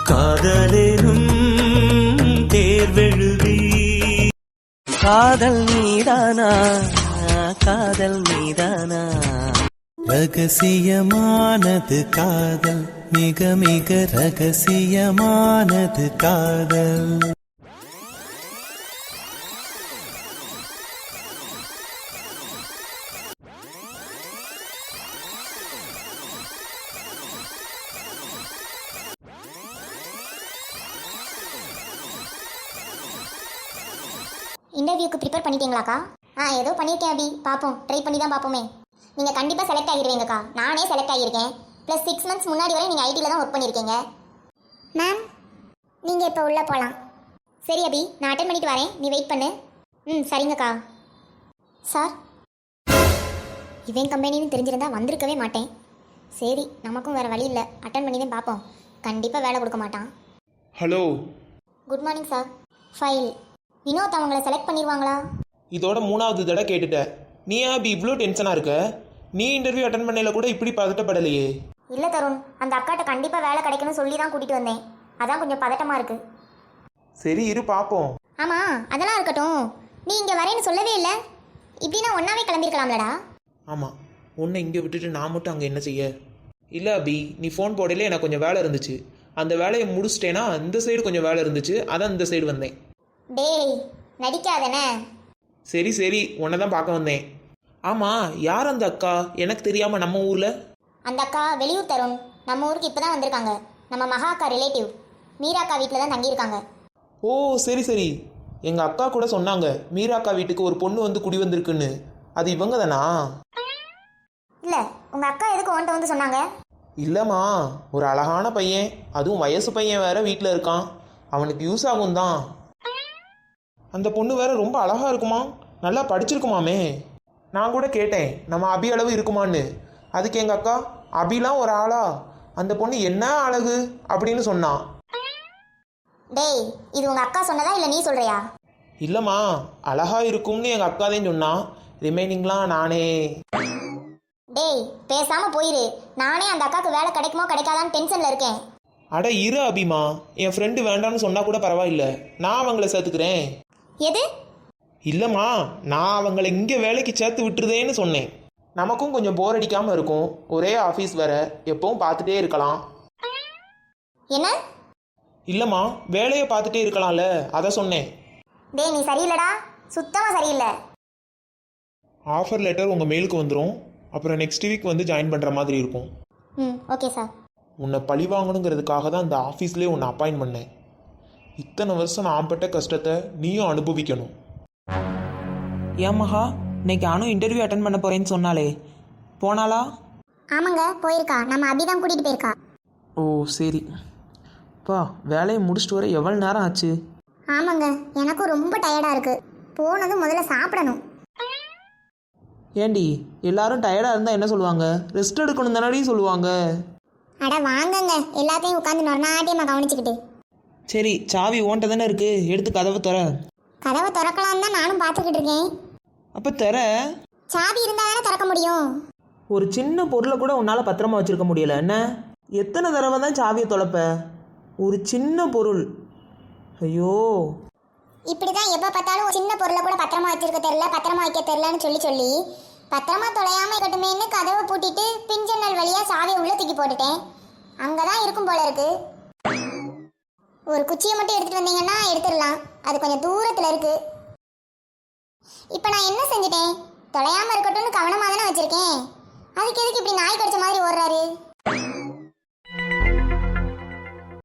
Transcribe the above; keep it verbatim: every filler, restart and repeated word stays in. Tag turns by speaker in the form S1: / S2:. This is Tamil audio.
S1: காதலேனும் தேர்வெழுதி காதல் மீதானா காதல் மீதானா ரகசியமானது காதல் மிக மிக ரகசியமானது காதல்.
S2: இன்டர்வியூக்கு ப்ரிப்பேர் பண்ணிட்டீங்களாக்கா? ஆ ஏதோ பண்ணியிருக்கேன் அபி, பார்ப்போம், ட்ரை பண்ணி தான் பார்ப்போமே. நீங்கள் கண்டிப்பாக செலக்ட் ஆகிடுவீங்கக்கா, நானே செலக்ட் ஆகியிருக்கேன். ப்ளஸ் சிக்ஸ் மந்த்ஸ் முன்னாடி வரை நீங்கள் ஐடியில் தான் ஒர்க் பண்ணியிருக்கீங்க. மேம் நீங்கள் இப்போ உள்ளே போகலாம். சரி அபி, நான் அட்டன் பண்ணிட்டு வரேன், நீ வெயிட் பண்ணு. ம் சரிங்கக்கா. சார், இவன் கம்பெனின்னு தெரிஞ்சிருந்தா வந்திருக்கவே மாட்டேன். சரி, நமக்கும் வேறு வழி இல்லை, அட்டன் பண்ணி தான் பார்ப்போம். கண்டிப்பாக வேலை கொடுக்க மாட்டான்.
S3: Hello,
S2: good morning sir. File Vinod அவங்கள செலக்ட் பண்ணிடுவாங்களா?
S3: இதோட மூணாவது தடவை கேட்டுட்டேன். நீ ஏன் அப்படி இவ்வளோ டென்ஷனாக இருக்க? நீ இன்டர்வியூ அட்டன் பண்ணல கூட இப்படி பதட்டப்படலையே.
S2: இல்லை தருண், அந்த அக்காட்ட கண்டிப்பாக வேலை கிடைக்கணும்னு சொல்லி தான் கூட்டிகிட்டு வந்தேன். அதான் கொஞ்சம் பதட்டமாக இருக்குது.
S3: சரி இரு பார்ப்போம்.
S2: ஆமாம், அதெல்லாம் இருக்கட்டும். நீ இங்கே வரேன்னு சொல்லவே இல்லை. இப்படின்னா ஒன்றாவே கிளம்பிருக்கலாம்லடா.
S3: ஆமாம், உன்னை இங்கே விட்டுட்டு நான் மட்டும் அங்கே என்ன செய்ய? இல்லை அபி, நீ ஃபோன் போடலே எனக்கு கொஞ்சம் வேலை இருந்துச்சு. அந்த வேலையை முடிச்சிட்டேன்னா இந்த சைடு கொஞ்சம் வேலை இருந்துச்சு, அதான் இந்த சைடு வந்தேன்.
S2: டேய் நடிக்காதனே.
S3: சரி சரி, உன்னை தான் பார்க்க வந்தேன். ஆமாம், யார் அந்த அக்கா? எனக்கு தெரியாமல் நம்ம ஊரில்?
S2: அந்த அக்கா வெளியூர் தருண், நம்ம ஊருக்கு இப்போ தான் வந்திருக்காங்க. நம்ம மகா அக்கா ரிலேட்டிவ், மீரா அக்கா வீட்டில் தான் தங்கியிருக்காங்க.
S3: ஓ சரி சரி, எங்கள் அக்கா கூட சொன்னாங்க மீரா அக்கா வீட்டுக்கு ஒரு பொண்ணு வந்து குடி வந்திருக்குன்னு. அது இவங்க தானா?
S2: இல்லை, உங்கள் அக்கா எதுக்கு உன்ட்ட வந்து சொன்னாங்க?
S3: இல்லைம்மா, ஒரு அழகான பையன், அதுவும் வயசு பையன் வேற வீட்டில் இருக்கான், அவனுக்கு யூஸ் ஆகும் தான். அந்த பொண்ணு வேற ரொம்ப அழகா இருக்குமா, நல்லா படிச்சிருக்குமாமே. நான் கூட கேட்டேன் நம்ம அபி அளவு இருக்குமான்னு. அதுக்கு எங்கள் அக்கா, அபிலாம் ஒரு ஆளா, அந்த பொண்ணு என்ன அழகு அப்படின்னு சொன்னான்.
S2: டேய், இது உங்கள் அக்கா சொன்னதா இல்லை நீ சொல்கிறியா?
S3: இல்லைம்மா, அழகா இருக்கும்னு எங்கள் அக்கா தான் சொன்னான், ரிமைனிங்லாம் நானே.
S2: டேய் பேசாமல் போயிரு, நானே அந்த அக்காவுக்கு வேலை கிடைக்குமோ கிடைக்காதான்னு டென்ஷனில் இருக்கேன்.
S3: அட இரு அபிமா, என் ஃப்ரெண்டு வேண்டான்னு சொன்னால் கூட பரவாயில்ல, நான் அவங்கள சேர்த்துக்கிறேன்.
S2: எது?
S3: இல்லைம்மா, நான் அவங்கள இங்கே வேலைக்கு சேர்த்து விட்டுருதேன்னு சொன்னேன். நமக்கும் கொஞ்சம் போர் அடிக்காமல் இருக்கும், ஒரே ஆஃபீஸ் வேற, எப்பவும் பார்த்துட்டே இருக்கலாம்.
S2: என்ன?
S3: இல்லைம்மா, வேலையை பார்த்துட்டே இருக்கலாம்ல, அதை சொன்னேன்.
S2: டேய் நீ சரியில்லடா, சுத்தமாக சரியில்லை.
S3: ஆஃபர் லெட்டர் உங்கள் மெயிலுக்கு வந்துடும், அப்புறம் நெக்ஸ்ட் வீக் வந்து ஜாயின் பண்ணுற மாதிரி இருக்கும்.
S2: ம் ஓகே சார்.
S3: உன்னை பழி வாங்கணுங்கிறதுக்காக தான் இந்த ஆஃபீஸ்லேயே உன்னை அப்பாயின்ட் பண்ணேன். இத்தனை வருஷம் நான் பட்ட கஷ்டத்தை நீயும் அனுபவிக்கணும்.
S4: ஏன் மகா, இன்னைக்கு அனு இன்டர்வியூ அட்டன் பண்ண போகிறேன்னு சொன்னாலே, போனாலா?
S2: ஆமாங்க போயிருக்கா, நம்ம அபி தான் கூட்டிகிட்டு போயிருக்கா.
S4: ஓ சரி. பா, வேலையை முடிச்சுட்டு வர எவ்வளோ நேரம் ஆச்சு?
S2: ஆமாங்க, எனக்கும் ரொம்ப டயர்டாக இருக்குது. போனதும் முதல்ல சாப்பிடணும்.
S4: ஏண்டி, எல்லாரும் டயர்டாக இருந்தால் என்ன சொல்லுவாங்க? ரெஸ்ட் எடுக்கணும் தானடி சொல்லுவாங்க.
S2: அட வாங்கங்க, எல்லாத்தையும் உட்காந்து நொறநாட்டியமாக கவனிச்சுக்கிட்டு.
S4: சரி, சாவி ஓன்ட்ட தானே இருக்குது, எடுத்து கதவை தர.
S2: கதவை திறக்கலாம் தான் நானும் பார்த்துக்கிட்டு இருக்கேன்.
S4: அப்போ தர.
S2: சாவி இருந்தால் தானே திறக்க முடியும்.
S4: ஒரு சின்ன பொருளை கூட உன்னால் பத்திரமா வச்சுருக்க முடியல என்ன? எத்தனை தடவை தான் சாவியை தொலைப்ப? ஒரு சின்ன பொருள். ஐயோ,
S2: இப்படி தான் எப்போ பார்த்தாலும் சின்ன பொருளை கூட பத்திரமா வச்சிருக்க தெரியல, பத்திரமா வைக்க தெரியலன்னு சொல்லி சொல்லி பத்திரமா தொலையாமல் இருக்கட்டுமேன்னு கதவை பூட்டிட்டு பிஞ்சன்னல் வழியாக சாவியை உள்ளே தூக்கி போட்டுட்டேன். அங்கே தான் இருக்கும் போல இருக்கு. ஒரு குச்சியை மட்டும் எடுத்துகிட்டு வந்தீங்கன்னா எடுத்துடலாம், அது கொஞ்சம் தூரத்தில் இருக்கு. இப்போ நான் என்ன செஞ்சுட்டேன்? தொலையாமல் இருக்கட்டும்னு கவனமாக தானே வச்சுருக்கேன். அதுக்கு எதுக்கு இப்படி நாய் கடிச்ச மாதிரி